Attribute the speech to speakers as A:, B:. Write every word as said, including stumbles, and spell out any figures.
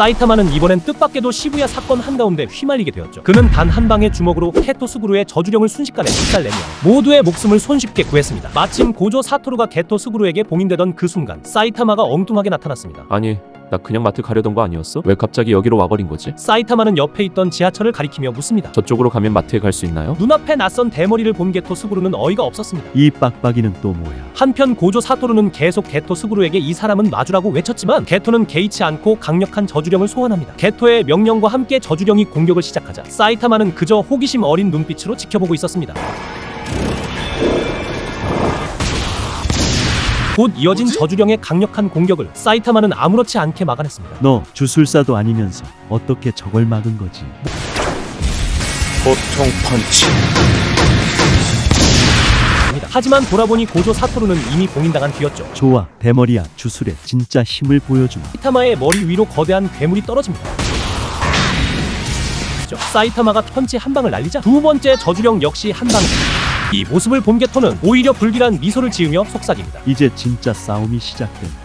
A: 사이타마는 이번엔 뜻밖에도 시부야 사건 한가운데 휘말리게 되었죠. 그는 단 한 방의 주먹으로 게토 스구루의 저주령을 순식간에 박살내며 모두의 목숨을 손쉽게 구했습니다. 마침 고조 사토루가 게토 스구루에게 봉인되던 그 순간 사이타마가 엉뚱하게 나타났습니다.
B: 아니, 나 그냥 마트 가려던 거 아니었어? 왜 갑자기 여기로 와버린 거지?
A: 사이타마는 옆에 있던 지하철을 가리키며 묻습니다.
B: 저쪽으로 가면 마트에 갈 수 있나요?
A: 눈앞에 낯선 대머리를 본 게토 스구루는 어이가 없었습니다.
C: 이 빡빡이는 또 뭐야?
A: 한편 고조 사토루는 계속 게토 스구루에게 이 사람은 마주라고 외쳤지만 게토는 개의치 않고 강력한 저주령을 소환합니다. 게토의 명령과 함께 저주령이 공격을 시작하자 사이타마는 그저 호기심 어린 눈빛으로 지켜보고 있었습니다. 곧 이어진 저주령의 강력한 공격을 사이타마는 아무렇지 않게 막아냈습니다.
C: 너 주술사도 아니면서 어떻게 저걸 막은 거지?
D: 보통 펀치.
A: 하지만 돌아보니 고조 사토루는 이미 봉인당한 뒤였죠.
C: 좋아, 대머리야. 주술의 진짜 힘을 보여주마.
A: 사이타마의 머리 위로 거대한 괴물이 떨어집니다. 사이타마가 펀치 한 방을 날리자 두 번째 저주령 역시 한 방. 이 모습을 본 게토는 오히려 불길한 미소를 지으며 속삭입니다.
C: 이제 진짜 싸움이 시작된다.